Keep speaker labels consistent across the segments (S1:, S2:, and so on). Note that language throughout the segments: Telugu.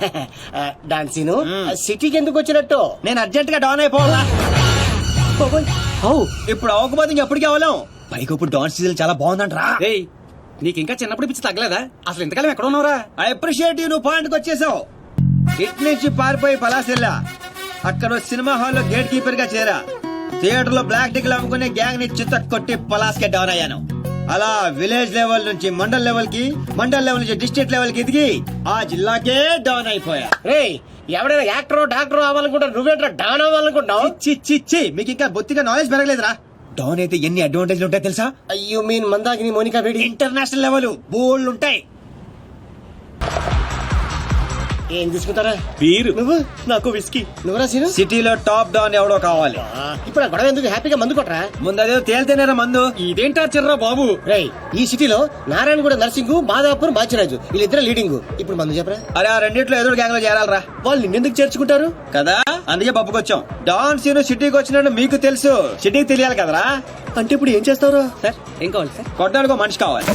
S1: డాన్సీను సిటీకి ఎందుకు వచ్చినట్టు?
S2: నేను అర్జెంట్ గా డౌన్ అయిపోవాలా. ఇప్పుడు అవ్వకపోతే ఇంకెప్పటికీ అవ్వలేం. పైకి ఇప్పుడు డాన్స్ సీజన్ చాలా బాగుందంటరా.
S3: నీకు ఇంకా చిన్నప్పుడు పిచ్చి తగ్గలేదా? అసలు ఇంతకాలం ఎక్కడ ఉన్నావురా?
S2: ఐ అప్రిషియేట్ యూ, నువ్వు పాయింట్కి వచ్చేసావు. ఇట్ నుంచి పారిపోయి పలాసెల్లా, అక్కడ సినిమా హాల్లో గేట్ కీపర్ గా చేరా. థియేటర్ లో బ్లాక్ టికెట్లు అమ్ముకునే గ్యాంగ్ ని చిత్త కొట్టి పలాస్కే డౌన్ అయ్యాను. అలా విలేజ్ లెవెల్ నుంచి మండల్ లెవెల్ కి, మండల్ లెవెల్ నుంచి డిస్ట్రిక్ట్ లెవెల్ కి ఎదిగి ఆ జిల్లాకే డౌన్ అయిపోయా.
S1: రేయ్, ఎవడైనా యాక్టర్ డాక్టర్ అవ్వాలనుకుంటారు, నువ్వేంట్రా డాన్ అవ్వాలనుకుంటావు?
S2: చి మీకు ఇంకా బొత్తిగా నాలెడ్జ్ పెరగలేదురా. డౌన్ అయితే ఎన్ని అడ్వాంటేజ్లు ఉంటాయి తెలుసా?
S1: You mean Mandakini Monica Bedi?
S2: International level bold ఉంటాయి.
S1: ఏం తీసుకుంటారా?
S3: బీరు.
S1: నువ్వు?
S3: నాకు విస్కీ.
S1: నువ్వురా సీను?
S2: సిటీలో టాప్ డౌన్ ఎవడో కావాలి.
S1: ఇప్పుడు ఆ గొడవ ఎందుకు? హ్యాపీగా మందు కొట్టరా.
S2: ముందు అదే తేలితేనేరా మందు.
S3: ఇదేంటా చిర్రా బాబు?
S1: రేయ్, ఈ సిటీలో నారాయణగూడ నర్సింగ్, మాదాపూర్ బాచిరాజు వీళ్ళిద్దరు లీడింగ్. ఇప్పుడు మందు చెప్పరా.
S2: అరే ఆ రెండిట్లో ఎదురు గ్యాంగ్ లో చేరాలరా.
S1: వాళ్ళు నిన్నెందుకు చేర్చుకుంటారు
S2: కదా, అందుకే పప్పుకొచ్చాం. డాన్ సీను సిటీకి వచ్చినట్టు మీకు తెలుసు, సిటీకి తెలియాలి కదరా.
S1: అంటే ఇప్పుడు ఏం చేస్తావురా?
S3: సార్ ఏం కావాలి సార్?
S2: కొట్టడానికి మనిషి కావాలి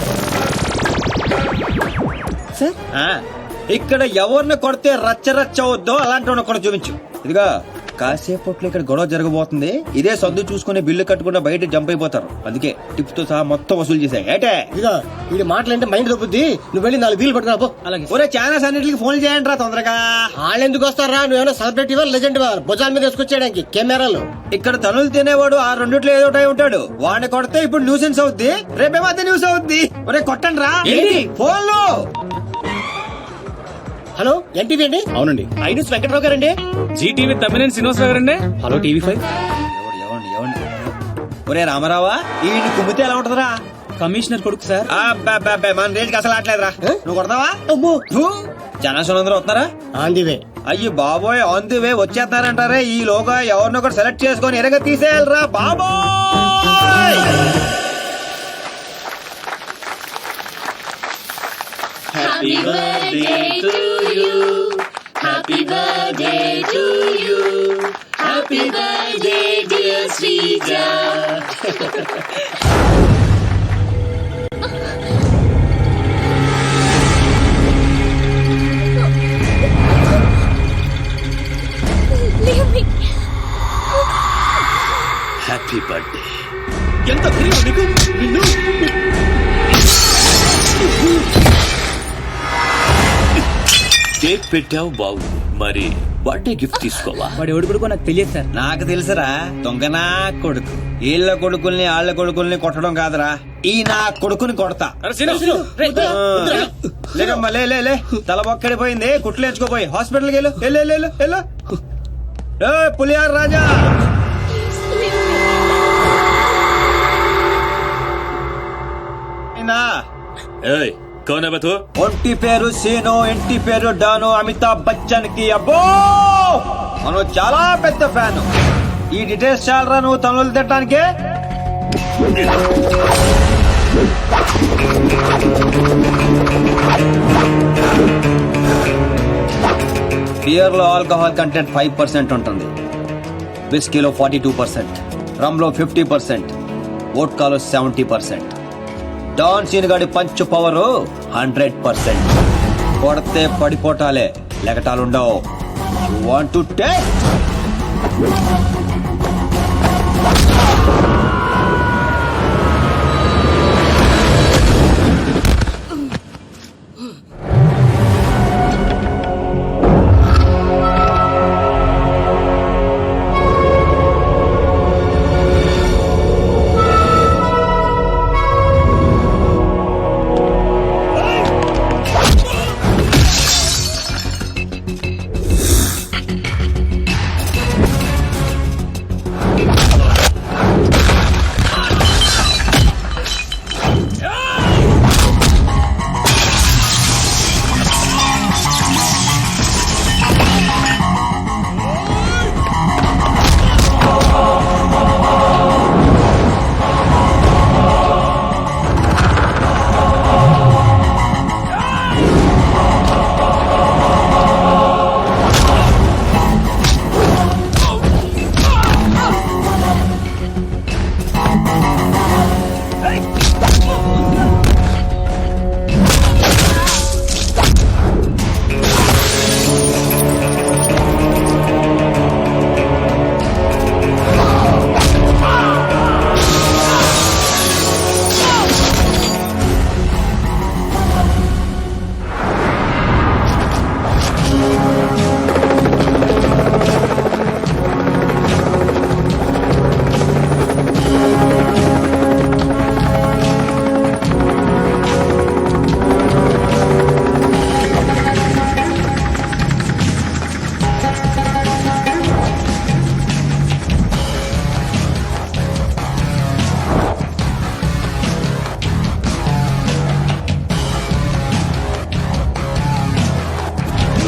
S1: సార్.
S2: ఇక్కడ ఎవరిని కొడితే రచ్చ రచ్చ అవుద్దో అలాంటి కూడా చూపించు. ఇదిగా కాసేపట్లో ఇక్కడ గొడవ జరగబోతుంది. ఇదే సొంత చూసుకుని బిల్లు కట్టకుండా బయట జంప్ అయిపోతారు. అందుకే టిప్ తో సహా మొత్తం వసూలు చేశాయి. ఏటే
S1: ఇదిగా వీడి మాటలంటే మైండ్ దొబ్బుద్ది. నువ్వు వెళ్ళి 4 వీలు పట్టుకురా పో.
S3: అలాగే.
S2: ఒరే ఛానల్స్ అన్నిటికి ఫోన్ చేయండి రా తొందరగా.
S1: వాళ్ళు ఎందుకు వస్తారా? నువ్వేమైనా సెలబ్రిటీ లెజెండ్ భుజాల మీద వేసుకొచ్చేయడానికి కెమెరాలు.
S2: ఇక్కడ తనులు తినేవాడు ఆ రెండిట్లో ఏదో ఒకటి ఉంటాడు. వాడిని కొడితే ఇప్పుడు న్యూసెన్స్ అవుద్ది, రేపేమో అదే న్యూస్ అవుద్ది. ఒరే కొట్టండి రా ఫోన్లో.
S1: హలో, ఎన్టీవీ అండి?
S3: అవునండి.
S1: ఐనూస్ వెంకట్రావు గారండి?
S3: జీటీవీ తమ్మినేని శ్రీనివాసరావు గారండి? Hello TV 5.
S2: ఒరే రామారావా, ఈ కుమ్మితే ఎలా ఉంటదిరా?
S3: కమిషనర్ కొడుకు సార్.
S2: మన రేంజ్ అసలు ఆటలేదురా. నువ్వు కొడతావా?
S1: అమ్మో,
S2: జనాశనం అందరూ వస్తారా?
S1: ఆందివే.
S2: అయ్యి బాబోయ్, ఆన్ ది వే వచ్చేస్తారంటారే. ఈ లోగా ఎవరినొకరు సెలెక్ట్ చేసుకొని ఎరగ తీసేయాలరా బాబోయ్.
S4: Happy birthday to you. Happy birthday to you. Happy birthday dear Srija.
S3: Happy birthday. ఎంత ధైర్యం నీకు? నిన్ను
S5: కేక్ పెట్టావు బాగుంది, మరి బర్త్డే గిఫ్ట్ తీసుకోవా?
S3: వాడు ఎవడు కొడుకో నాకు తెలియదు సార్.
S2: నాకు తెలుసురా, దొంగనా కొడుకు. వీళ్ళ కొడుకుల్ని వాళ్ళ కొడుకుల్ని కొట్టడం కాదురా, ఈ నా కొడుకుని కొడతా. లేకమ్మా లే లే లే, తల బొక్కడిపోయింది, కుట్లు ఎంచుకోపోయి హాస్పిటల్కి వెళ్ళు. వెళ్ళు పులియార్ రాజా.
S5: ఏయ్, కౌన్ హై బే తూ?
S2: ఒంటి పేరు సీను, ఇంటి పేరు డాను. అమితాబ్ బచ్చన్ కి అబ్బో మనం చాలా పెద్ద ఫ్యాన్. ఈ డీటెయిల్స్ చాలరా నువ్వు తనులు తిట్టడానికి? బియర్ లో ఆల్కహాల్ కంటెంట్ 5% ఉంటుంది, విస్కీలో 42%, రమ్ లో 50%, వోడ్కాలో 70%. డాన్ సీన్ గాడి పంచ్ పవర్ 100%. కొడితే పడిపోటాలే, లెగటాలుండవు. You want to take?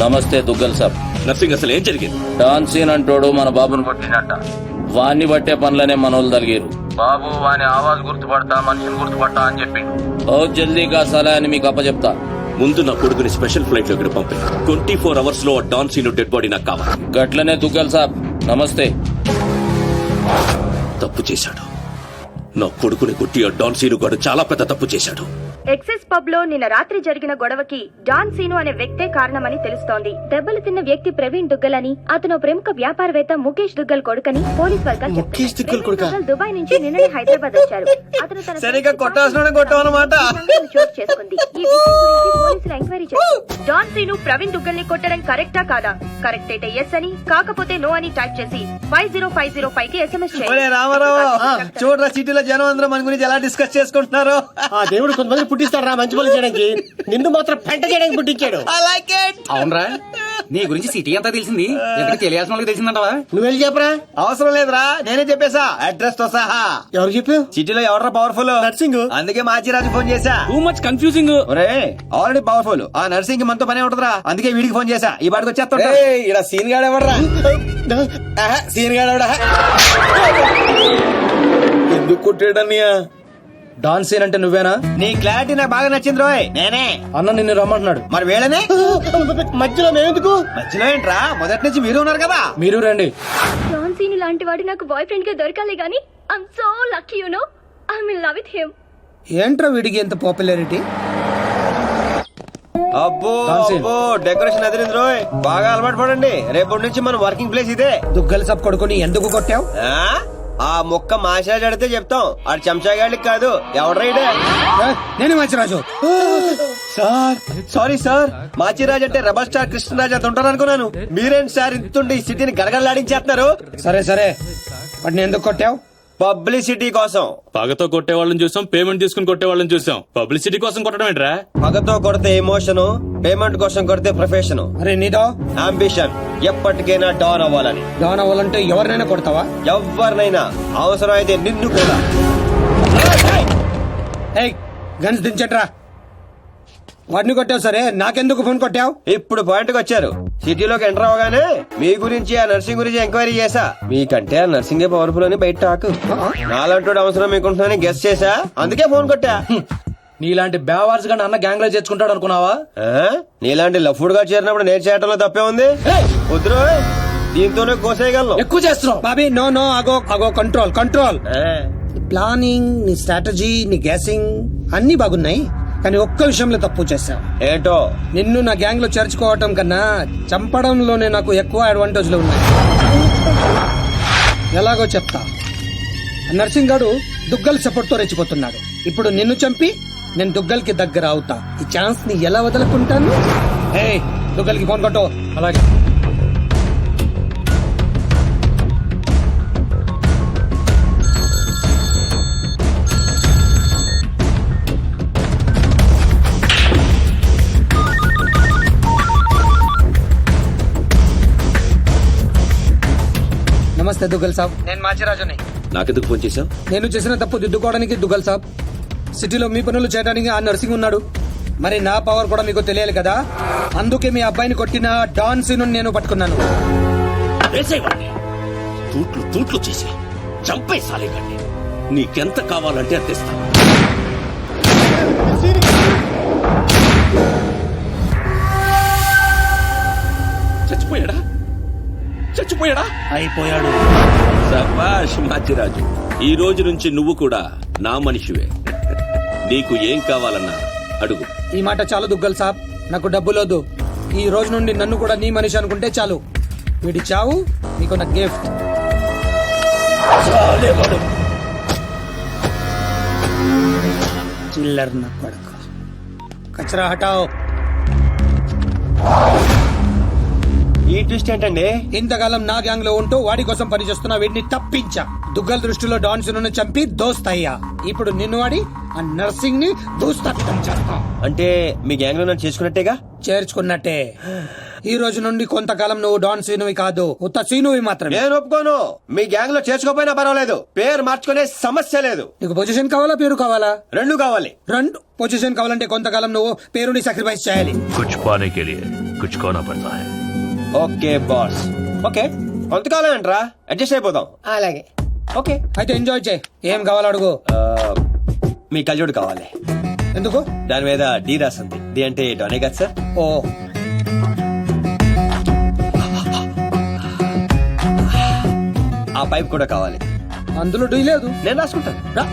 S6: నమస్తే దుగ్గల్ సాబ్.
S5: నర్సింగ్ అసలు ఏం జరిగింది?
S6: డాన్ సీన్ అంటోడు మన బాబును కొట్టినట్ట. వాణ్ణి బట్టే పనులనే మనోళ్ళు తలిగారు. బాబు వాని ఆవాజ్ గుర్తుపడతా, మనిషిని గుర్తుపడతా అని చెప్పి ఓ జల్దీగా సలహా అని మీకు అప్పచెప్తా.
S5: ముందు నా కొడుకుని స్పెషల్ ఫ్లైట్ లో ఇక్కడ పంపి 24 అవర్స్ లో డాన్ సీను డెడ్ బాడీ నాకు కావాలి.
S6: గట్లనే దుగ్గల్ సాబ్. నమస్తే.
S5: తప్పు చేశాడు. నా కొడుకుని కొట్టి ఆ డాన్ సీను గాడు చాలా పెద్ద తప్పు చేశాడు.
S7: ఎక్సెస్ పబ్ లో నిన్న రాత్రి జరిగిన గొడవకి డాన్ సీను అనే వ్యక్తే కారణమని తెలుస్తోంది. దెబ్బలు తిన్న వ్యక్తి ప్రవీణ్ దుగ్గల్ అని, అతను ప్రముఖ వ్యాపారవేత్త ముఖేష్ దుగ్గల్ కొడుకని పోలీస్ వర్గాలు
S1: ముఖేష్ దుగ్గల్ కొడుకా?
S7: చెప్తున్నారు. దుబాయ్ నుంచి నిన్ననే హైదరాబాద్ వచ్చారు. అతను తన
S2: సరిగ్గా కొట్టాల్సిన కొట్టావన్నమాట.
S7: చోటు చేసుకుంది. ఈ విషయం గురించి పోలీసులు ఎంక్వైరీ చేశారు. డాన్ సీను ప్రవీణ్ దుగ్గల్ ని కొట్టడం కరెక్టా కాదా? కరెక్ట్ అయితే ఎస్ అని, కాకపోతే నో అని టైప్ చేసి 50505 కి ఎస్ఎంఎస్
S2: ఒరే రామారావు, చూడరా సిటీలో జనం అందరూ మన గురించి ఎలా డిస్కస్ చేసుకుంటున్నారు.
S1: ఆ దేవుడు కొంతమంది పుట్టిస్తాడు రా మంచి పనులు చేయడానికి, నిన్ను మాత్రం పెంట చేయడానికి పుట్టించాడు.
S8: అవునరా, నీ గురించి సిటీ అంతా తెలిసింది. ఎందుకు తెలియాల్సిన వాళ్ళకి తెలిసిందంటవా?
S1: నువ్వు వెళ్ళి చెప్పరా.
S2: అవసరం లేదురా, నేనే చెప్పేశా అడ్రస్ తో సహా.
S1: ఎవరు చెప్పావు?
S2: సిటీలో ఎవరా పవర్ఫుల్?
S1: నర్సింగ్.
S2: అందుకే మాచిరాజు ఫోన్ చేశా.
S8: Too much confusing.
S2: ఒరే ఆల్రెడీ పవర్ఫుల్, ఆ నర్సింగ్ మనతో పనే ఉంటదిరా. అందుకే వీడికి ఫోన్ చేశా. ఈ బాడికి వచ్చేస్తా.
S1: ఇక్కడ సీన్ గాడు ఎవడరా? సీన్ గాడు ఎవడా?
S3: ఎందుకు కొట్టాడన్నయ్యా?
S8: డాన్ సీన్ అంటే నువ్వేనా?
S2: నీ క్లారిటీ నాకు బాగా నచ్చింది రోయ్. నేనే.
S8: అన్న నిన్ను రమ్మంటున్నాడు.
S2: మరి వేళనే
S1: మధ్యలో మేమెందుకు?
S2: మధ్యలో ఏంట్రా, మొదటి నుంచి మీరు ఉన్నారు కదా.
S8: మీరు రండి.
S7: డాన్ సీను లాంటి వాడు నాకు బాయ్ ఫ్రెండ్ గా దొరకాలి గానీ I'm so lucky you know. I'm in love with him.
S8: ఏంట్రా వీడికి ఎంత పాపులారిటీ?
S2: అబ్బో
S8: Dancing.
S2: అబ్బో, డెకరేషన్ ఎదిరింది రోయ్. బాగా అలవాటు పడండి. రేపటి నుంచి మన వర్కింగ్ ప్లేస్ ఇదే.
S8: దుగ్గల్ సబ్ కొడుకుని ఎందుకు కొట్టావు?
S2: ఆ మొక్క మాషాజ్ అడితే చెప్తాం. ఆడు చెంచాగాళ్ళకి కాదు. ఎవడ్రైడే?
S8: నేను Manchiraju.
S2: Sir sorry sir, Machiraj అంటే రెబల్ స్టార్ కృష్ణరాజ్ అంత ఉంటారు అనుకున్నాను. మీరేంటి సార్ ఇంతుండి ఈ సిటీని గడగడలాడించేస్తున్నారు?
S8: సరే సరే, వాటిని ఎందుకు కొట్టావు?
S2: పబ్లిసిటీ కోసం.
S5: పగతో కొట్టే వాళ్ళని చూసాం, పేమెంట్ తీసుకుని కొట్టే వాళ్ళని చూసాం. పబ్లిసిటీ కోసం కొట్టడం ఏంట్రా?
S2: పగతో కొడితే ఎమోషన్, పేమెంట్ కోసం కొడితే ప్రొఫెషన్,
S8: అరే నీదో
S2: అంబిషన్. ఎప్పటికైనా డాన్ అవ్వాలని.
S8: డాన్ అవ్వాలంటే ఎవరినైనా కొడతావా?
S2: ఎవరినైనా, అవసరం అయితే నిన్ను కూడా.
S8: ఏయ్ గన్స్ దించట్రా. వాడిని కొట్టావు సరే, నాకెందుకు ఫోన్ కొట్టావు?
S2: ఇప్పుడు పాయింట్కి వచ్చారు. సిటీలోకి ఎంటర్ అవగానే మీ గురించి, ఆ నర్సింగ్ గురించి ఎంక్వైరీ చేశా. మీకంటే ఆ నర్సింగే పవర్ఫుల్ అని బయట టాక్. నాలంటూ అవసరం మీకుంటుందని గెస్ చేశా, అందుకే ఫోన్ కొట్టా.
S8: నీలాంటి బేవార్స్ గా అన్న గ్యాంగ్ లో చేర్చుకుంటాడు అనుకున్నావా?
S2: నీలాంటి లఫ్డ్ గా చేరినప్పుడు నేను చేయటంలో తప్పే ఉంది. వద్దురు, దీంతోనే కోసేయగలను.
S8: ఎక్కువ చేస్తున్నావు బాబీ. నో నో, అగో అగో, కంట్రోల్ కంట్రోల్. ప్లానింగ్, నీ స్ట్రాటజీ, నీ గ్యాసింగ్ అన్ని బాగున్నాయి, కానీ ఒక్క విషయంలో తప్పు చేశావు.
S2: ఏంటో?
S8: నిన్ను నా గ్యాంగ్ లో చేర్చుకోవటం కన్నా చంపడంలోనే నాకు ఎక్కువ అడ్వాంటేజ్లు ఉన్నాయి. ఎలాగో చెప్తా. నర్సింగ్ గాడు దుగ్గల్ సపోర్ట్ తో రెచ్చిపోతున్నాడు. ఇప్పుడు నిన్ను చంపి నేను దుగ్గల్ కి దగ్గర అవుతా. ఈ ఛాన్స్ ని ఎలా వదులుకుంటాను? ఏ దుగ్గల్ కి ఫోన్ కొట్టు. అలాగే. నమస్తే దుగ్గల్ సాబ్, నేను మాచిరాజుని.
S5: నాకెందుకు ఫోన్ చేశావు?
S8: నేను చేసిన తప్పు దిద్దుకోవడానికి దుగ్గల్ సాబ్, సిటీలో మీ పనులు చేయడానికి ఆ నర్సింగ్ ఉన్నాడు. మరి నా పవర్ కూడా మీకు తెలియాలి కదా. అందుకే మీ అబ్బాయిని కొట్టిన డాన్ సీను నేను పట్టుకున్నాను.
S5: వేసేవాడిని తూట్లు తూట్లు చేసి చంపేసాలేకండి. నీకెంత కావాలంటే అంత ఇస్తాను. చచ్చిపోయాడా? చచ్చిపోయాడా?
S8: అయిపోయాడు.
S5: సబాష్ మాచిరాజు, ఈ రోజు నుంచి నువ్వు కూడా నా మనిషివే. నీకు ఏం కావాలన్నా అడుగు.
S8: ఈ మాట చాలు దుగ్గల్ సాబ్, నాకు డబ్బులోదు. ఈ రోజు నుండి నన్ను కూడా నీ మనిషి అనుకుంటే చాలు. వీడి చావు నీకు నా గిఫ్ట్. చిల్లర్ నా కొడుకు. కచరా హటాओ.
S2: ఈ ట్విస్ట్ ఏంటండి?
S8: ఇంతకాలం నా గ్యాంగ్ లో ఉంటూ వాడి కోసం పనిచేస్తున్న వీడిని తప్పించా. దుగ్గల్ దృష్టిలో డాన్ సీనును చంపి దోస్తయ్యా. ఇప్పుడు నిన్ను వాడి ఆ నర్సింగ్ ని దూస్తపితం చేస్తా.
S2: అంటే మీ గ్యాంగ్ లో నన్ను చేసుకున్నట్టేగా?
S8: చేర్చుకున్నట్టే. ఈ రోజు నుండి కొంతకాలం నువ్వు డాన్ సీనువి కాదు, ఉత్త సీనువి మాత్రమే.
S2: నేను ఒప్పుకోను. మీ గ్యాంగ్ లో చేసుకోపోయినా పర్వాలేదు, పేరు మార్చుకునే సమస్య లేదు.
S8: నీకు పొజిషన్ కావాలా, పేరు కావాలా?
S2: రెండు కావాలి.
S8: రెండు. పొజిషన్ కావాలంటే కొంతకాలం నువ్వు పేరుని సాక్రిఫైస్ చేయాలి.
S9: कुछ पाने के लिए
S3: कुछ खोना पड़ता है।
S2: Okay boss. ఓకే కొంతకాలం అంటరా అడ్జస్ట్ అయిపోదాం.
S1: అలాగే.
S2: ఓకే.
S8: అయితే ఎంజాయ్ చేయి. ఏం కావాలో అడుగు.
S2: మీ కళ్ళజోడు కావాలి.
S8: ఎందుకు?
S2: దాని మీద డి రాసింది. డి అంటే డోనే కదా సార్.
S8: ఓ
S2: ఆ పైప్ కూడా కావాలి.
S8: అందులో డీ లేదు.
S2: నేను రాసుకుంటాను.
S8: రా.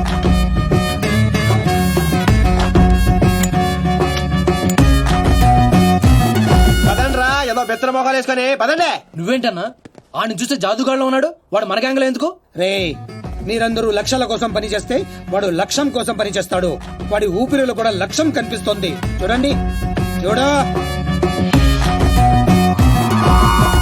S2: పదండ్రా ఏదో బెత్తర మొఖాలు వేసుకొని పదండి.
S9: నువ్వేంటన్నా ఆడిని చూస్తే జాదుగాడులో ఉన్నాడు, వాడు మన గ్యాంగ్లో ఎందుకు?
S8: రే మీరందరూ లక్ష్యాల కోసం పనిచేస్తే వాడు లక్ష్యం కోసం పనిచేస్తాడు. వాడి ఊపిరిలో కూడా లక్ష్యం కనిపిస్తోంది. చూడండి చూడా.